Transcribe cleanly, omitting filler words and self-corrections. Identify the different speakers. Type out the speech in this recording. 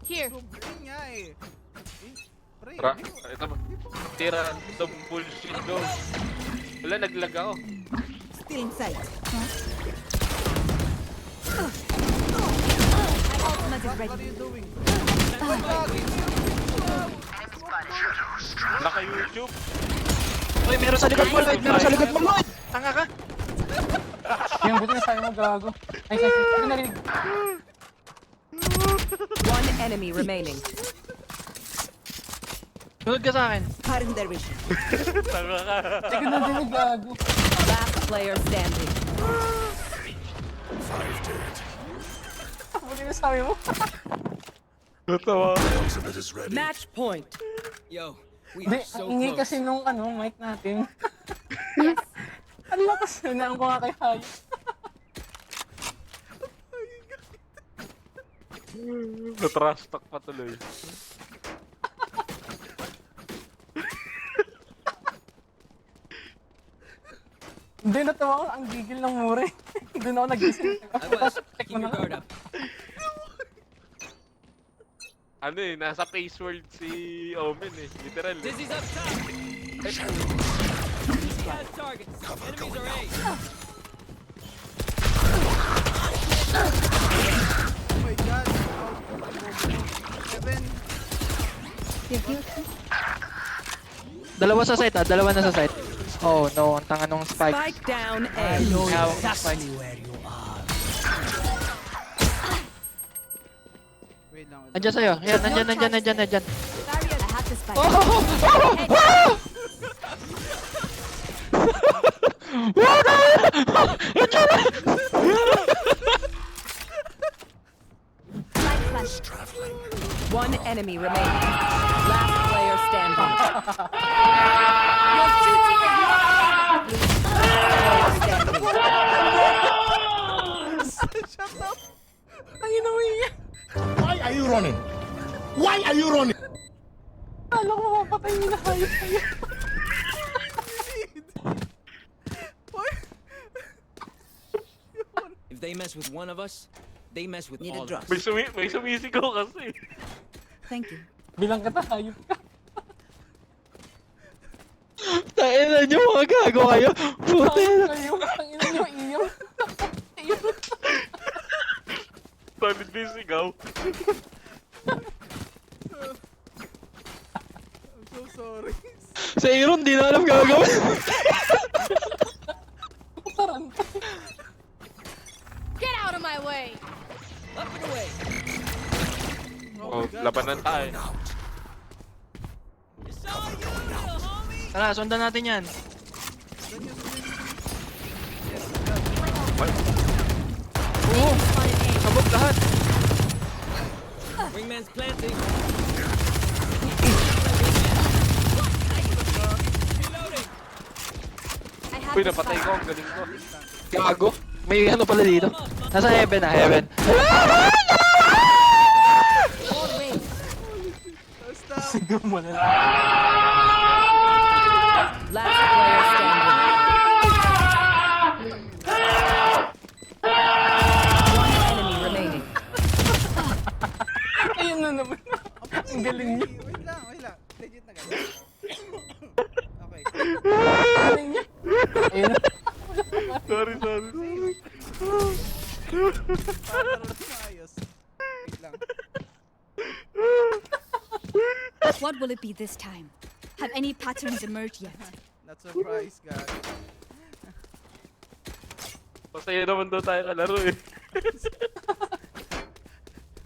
Speaker 1: Here.
Speaker 2: Sobrang nga eh. Pre,
Speaker 3: Ito ba? Tira the bullshit go. Wala, naglag ako.
Speaker 4: Still in sight.
Speaker 1: Ultimate is
Speaker 2: what
Speaker 1: ready.
Speaker 2: are you doing?
Speaker 3: Naka-YouTube.
Speaker 5: Uy, meron sa likod mo, Lloyd! Meron sa likod mo, Lloyd! Tanga ka!
Speaker 6: Yung buti na sabi mo gago. Ay, hindi narinig.
Speaker 4: One enemy remaining.
Speaker 5: Sunod ka sa akin.
Speaker 4: Cutting their vision.
Speaker 3: Tanga ka.
Speaker 6: Hindi ko narinig gago.
Speaker 4: Last player standing.
Speaker 6: Buti na sabi mo.
Speaker 3: Natawa.
Speaker 4: Match point.
Speaker 7: Yo, we
Speaker 6: Hindi,
Speaker 7: are so
Speaker 6: ang ingay
Speaker 7: close.
Speaker 6: kasi nung mic natin. Ang lakas na naan ko nga kay Hayo.
Speaker 3: Na-trash talk pa tuloy.
Speaker 6: Hindi, natawa ko. Ang gigil ng mure. Doon ako nagising.
Speaker 7: I was.
Speaker 6: Check
Speaker 7: Keep
Speaker 6: mo
Speaker 7: your
Speaker 6: na.
Speaker 7: guard up.
Speaker 3: Ano eh, nasa face world si Omen eh. Literal eh.
Speaker 7: Dizzy's up top. Dizzy has targets. Enemies are A.
Speaker 2: Oh my god. Kevin.
Speaker 5: Dalawa sa site, dalawa na sa site. Oh no, ang tanga nung spike.
Speaker 4: Spike down A.
Speaker 5: Hawak ng spike.
Speaker 2: Wait lang.
Speaker 5: Nandiyan sa'yo. Yan, nandiyan.
Speaker 1: Barrier. I have to spike.
Speaker 4: One enemy remaining. Last player standing.
Speaker 1: Your duty is
Speaker 4: Player standing.
Speaker 6: Ang inawi niya.
Speaker 8: Why are you running? Why are you running?
Speaker 6: Kala ko mapatay niya na Hayo sa'yo.
Speaker 7: If they mess with one of us, they mess with
Speaker 4: Need
Speaker 7: all
Speaker 4: a
Speaker 7: of
Speaker 4: drop.
Speaker 7: us.
Speaker 3: May sumisigaw kasi.
Speaker 1: Thank you.
Speaker 6: Bilang kita, Hayo ka.
Speaker 5: Tain na nyo, mga gago kayo. Puti
Speaker 6: Hayo
Speaker 5: na.
Speaker 6: kayo. Ang ina niyo, iyaw.
Speaker 3: Solid na yung sigaw.
Speaker 2: I'm so sorry.
Speaker 5: Sa Aaron, di na alam gagawin.
Speaker 6: Taranta.
Speaker 1: Get out of my way.
Speaker 7: Up and away.
Speaker 3: Oh, labanan tayo.
Speaker 7: It's all you, little homie.
Speaker 5: Tara, sundan natin yan.
Speaker 1: Oh.
Speaker 5: Sabog lahat.
Speaker 7: Wingman's planting. Reloading.
Speaker 1: I have
Speaker 3: Uy,
Speaker 1: to
Speaker 3: napatay
Speaker 1: spike.
Speaker 3: ko. Ang galing ko.
Speaker 5: Gago. May ano pala dito. Nasa heaven na, heaven.
Speaker 1: All ways.
Speaker 2: Basta.
Speaker 6: Siguro mo na lang.
Speaker 4: Last player standing. One enemy remaining.
Speaker 6: Ayun na naman. Ang galing niya.
Speaker 2: Wait lang. Legit na ganyan. Okay.
Speaker 6: Galing niya. Ayun na.
Speaker 3: Sorry.
Speaker 2: Para maayos. Wait lang.
Speaker 1: What will it be this time? Have any patterns emerged yet?
Speaker 2: Not surprised, guys.
Speaker 3: Masaya naman daw tayo kalaro eh.